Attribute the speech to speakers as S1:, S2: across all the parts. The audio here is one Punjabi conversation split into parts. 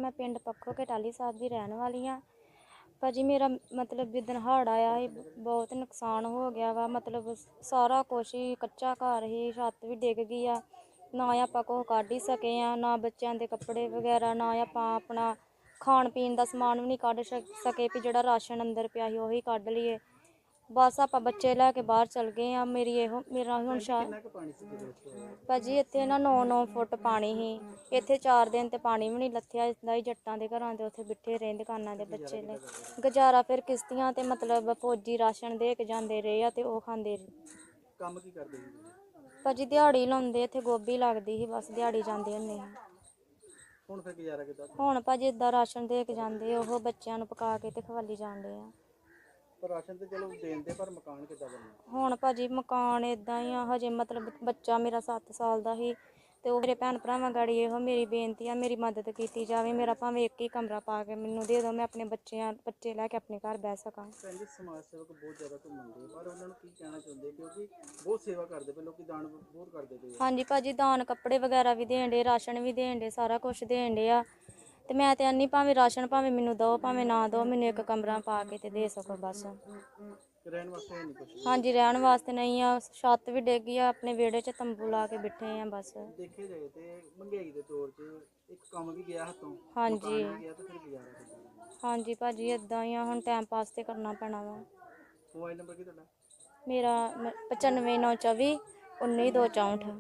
S1: मैं पिंड पक्खो के टाली साहब की रहने वाली हाँ। भाजी मेरा मतलब जिदन हड़ आया ही बहुत नुकसान हो गया वा। मतलब सारा कुछ ही कच्चा घर ही, छत भी डिग गई आ। ना आपां कुछ कढ ही सके आ, ना बच्चों के कपड़े वगैरह, ना आपां अपना खाण पीन का समान भी नहीं कढ सके भी जिहड़ा राशन अंदर पिया ही उही कढ लईए। बस आपां बच्चे लैके बाहर चल गए हाँ। मेरा हुण भाजी इत्थे ना 9-9 फुट पानी ही। इत्थे 4 दिन ते पानी भी नहीं लथया। इसदा ही जट्टां दे घरां दे उत्थे बिठे रहे दुकानां दे बच्चे ने गुजारा फिर किश्तियां ते मतलब फौजी राशन दे के जांदे रहे ते ओह खांदे रहे।
S2: काम की करदे
S1: भाजी दिहाड़ी लाउंदे, इत्थे गोभी लगदी ही, बस दिहाड़ी जांदे हुंदे ही।
S2: ਹੁਣ ਫਿਰ ਗੁਜ਼ਾਰਾ ਕਿੱਦਾਂ?
S1: ਹੁਣ ਭਾਜੀ इदां राशन दे के जांदे, ओह बच्चों नूं पका के ते खवाली जांदे आ।
S2: पर राशन तो चलो देंदे, पर मकान किद्दां बनना?
S1: ਹੁਣ ਭਾਜੀ ਮਕਾਨ ਇਦਾਂ ਹੀ ਆ। ਹਜੇ ਮਤਲਬ ਬੱਚਾ ਮੇਰਾ 7 ਸਾਲ ਦਾ ਹੀ ਤੇ ਉਹ ਮੇਰੇ ਭੈਣ ਭਰਾਵਾਂ ਗਾੜੀ ਇਹੋ ਮੇਰੀ ਬੇਨਤੀ ਆ, ਮੇਰੀ ਮਦਦ ਕੀਤੀ ਜਾਵੇ। ਮੇਰਾ ਭਾਵੇਂ ਇੱਕ ਹੀ ਕਮਰਾ ਪਾ ਕੇ ਮੈਨੂੰ ਦੇ ਦਿਓ, ਮੈਂ ਆਪਣੇ ਬੱਚੇ ਲੈ ਕੇ ਆਪਣੇ ਘਰ ਬਹਿ ਸਕਾਂ।
S2: ਭੈਣ ਜੀ ਸਮਾਜ ਸੇਵਕ ਬਹੁਤ ਜ਼ਿਆਦਾ ਘੁੰਮਦੇ, ਪਰ ਉਹਨਾਂ ਨੂੰ ਕੀ ਕਹਿਣਾ ਚਾਹੁੰਦੇ, ਕਿਉਂਕਿ ਬਹੁਤ ਸੇਵਾ ਕਰਦੇ ਪਏ ਲੋਕੀ, ਦਾਨ ਬਹੁਤ ਕਰਦੇ ਪਏ।
S1: ਹਾਂਜੀ ਭਾਜੀ ਦਾਨ ਕੱਪੜੇ ਵਗੈਰਾ ਵੀ ਦੇਣ ਡੇ, ਰਾਸ਼ਨ ਵੀ ਦੇਣ ਡੇ, ਸਾਰਾ ਕੁਝ ਦੇਣ ਡੇ ਆ। ਤੇ ਮੈਂ ਤੇ ਆਨੀ ਭਾਵੇਂ ਰਾਸ਼ਨ ਭਾਵੇਂ ਮੈਨੂੰ ਦਿਓ ਭਾਵੇਂ ਨਾ ਦਿਓ, ਮੈਨੂੰ ਇੱਕ ਕਮਰਾ ਪਾ ਕੇ ਤੇ ਦੇ ਸਕੋ ਬਸ।
S2: ਰਹਿਣ ਵਾਸਤੇ ਹੈ ਨਹੀਂ ਕੁਝ?
S1: ਹਾਂਜੀ ਰਹਿਣ ਵਾਸਤੇ ਨਹੀਂ ਆ, ਛੱਤ ਵੀ ਡਿੱਗ ਗਈ ਆ, ਆਪਣੇ ਵਿਹੜੇ 'ਚ ਤੰਬੂ ਲਾ ਕੇ ਬੈਠੇ ਆ ਬਸ।
S2: ਦੇਖੇ ਜਾਏ ਤੇ ਮਹਿੰਗਾਈ ਦੇ ਦੌਰ 'ਚ ਇੱਕ ਕੰਮ ਵੀ ਗਿਆ ਹੱਥੋਂ,
S1: ਹਾਂਜੀ
S2: ਮਕਾਨ ਵੀ ਗਿਆ, ਤੇ ਫਿਰ ਗੁਜ਼ਾਰਾ ਕਿੱਦਾਂ?
S1: ਹਾਂਜੀ ਭਾਜੀ ਇਦਾਂ ਹੀ ਆ, ਹੁਣ ਟਾਈਮ ਪਾਸ ਤੇ ਕਰਨਾ ਪੈਣਾ ਵਾ।
S2: ਮੋਬਾਈਲ ਨੰਬਰ ਕੀ ਤੁਹਾਡਾ?
S1: ਮੇਰਾ 9594 19264।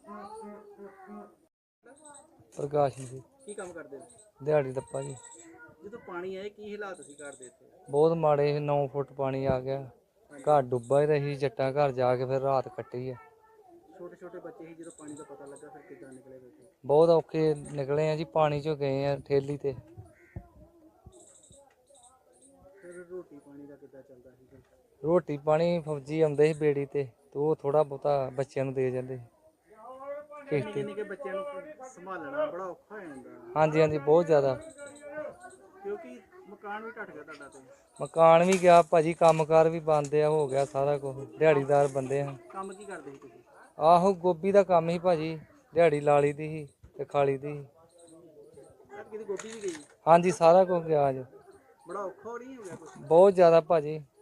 S3: ਪ੍ਰਕਾਸ਼ ਜੀ।
S2: ਕੀ ਕੰਮ ਕਰਦੇ ਹੋ?
S3: ਦਿਹਾੜੀ ਦੱਪਾ ਜੀ।
S2: ਜਦੋਂ ਪਾਣੀ ਆਏ ਕੀ ਹਾਲਾਤ ਸੀ ਘਰ ਦੇ ਇੱਥੇ?
S3: ਬਹੁਤ ਮਾੜੇ, 9 ਫੁੱਟ ਪਾਣੀ ਆ ਗਿਆ, ਘਰ ਡੁੱਬਾ ਹੀ ਰਹੀ। ਜੱਟਾਂ ਘਰ ਜਾ ਕੇ ਫਿਰ ਰਾਤ ਕੱਟੀ ਆ।
S2: ਛੋਟੇ ਛੋਟੇ ਬੱਚੇ ਸੀ, ਜਦੋਂ ਪਾਣੀ ਦਾ ਪਤਾ ਲੱਗਾ ਫਿਰ ਕਿੱਦਾਂ ਨਿਕਲੇ ਬੈਠੇ?
S3: ਬਹੁਤ ਔਖੇ ਨਿਕਲੇ ਆ ਜੀ, ਪਾਣੀ 'ਚੋਂ ਗਏ ਆ ਠੇਲੀ ਤੇ।
S2: ਫਿਰ ਰੋਟੀ ਪਾਣੀ ਦਾ ਕਿੱਦਾਂ ਚੱਲਦਾ ਸੀ?
S3: ਰੋਟੀ ਪਾਣੀ ਫੌਜੀ ਆਉਂਦੇ ਸੀ ਬੇੜੀ ਤੇ ਉਹ ਥੋੜਾ ਬਹੁਤਾ ਬੱਚਿਆਂ ਨੂੰ ਦੇ ਜਾਂਦੇ।
S2: ਨਿੱਕੇ ਬੱਚਿਆਂ ਨੂੰ ਸੰਭਾਲਣਾ ਬੜਾ ਔਖਾ ਹੋ ਜਾਂਦਾ।
S3: ਹਾਂਜੀ ਹਾਂਜੀ ਬਹੁਤ ਜ਼ਿਆਦਾ,
S2: ਕਿਉਂਕਿ ਮਕਾਨ ਵੀ ਢੱਟ ਗਿਆ ਤੁਹਾਡਾ ਤੇ?
S3: ਮਕਾਨ ਵੀ ਗਿਆ ਭਾਜੀ, ਕੰਮਕਾਰ ਵੀ ਬੰਦ ਆ, ਹੋ ਗਿਆ ਸਾਰਾ ਕੁਝ। ਦਿਹਾੜੀਦਾਰ ਬੰਦੇ ਆ।
S2: ਕੰਮ ਕੀ ਕਰਦੇ ਸੀ ਤੁਸੀਂ?
S3: ਆਹੋ ਗੋਭੀ ਦਾ ਕੰਮ ਸੀ ਭਾਜੀ, ਦਿਹਾੜੀ ਲਾ ਲਈ ਦੀ ਸੀ ਤੇ ਖਾ ਲਈ ਦੀ ਸੀ।
S2: ਕਿਤੇ ਗੋਭੀ ਵੀ ਗਈ?
S3: ਹਾਂਜੀ ਸਾਰਾ ਕੁਝ ਗਿਆ ਅੱਜ।
S2: ਬੜਾ ਔਖਾ ਹੋ ਨਹੀਂ ਹੋ ਗਿਆ ਕੁਛ?
S3: ਬਹੁਤ ਜ਼ਿਆਦਾ ਭਾਜੀ।